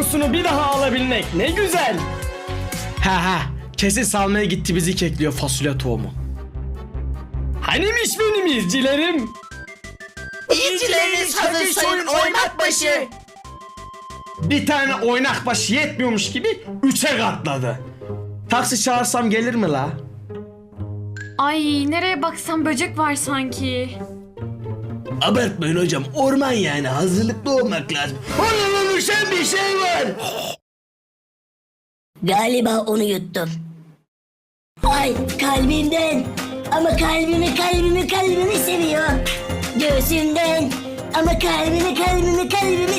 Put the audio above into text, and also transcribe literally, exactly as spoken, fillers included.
kokusunu bir daha alabilmek ne güzel. Ha ha, kesin salmaya gitti bizi kekliyor fasulye tohumu. Hanimiş benim izcilerim? İzcileriniz hazır sayın oymak başı. Bir tane oynak başı yetmiyormuş gibi üçe katladı. Taksi çağırsam gelir mi la? Ay nereye baksam böcek var sanki. Abartmayın hocam, orman yani, hazırlıklı olmak lazım. Onun oluşan bir şey var. Galiba onu yuttum. Ay kalbimden. Ama kalbimi kalbimi kalbimi seviyor. Göğsümden. Ama kalbimi kalbimi kalbimi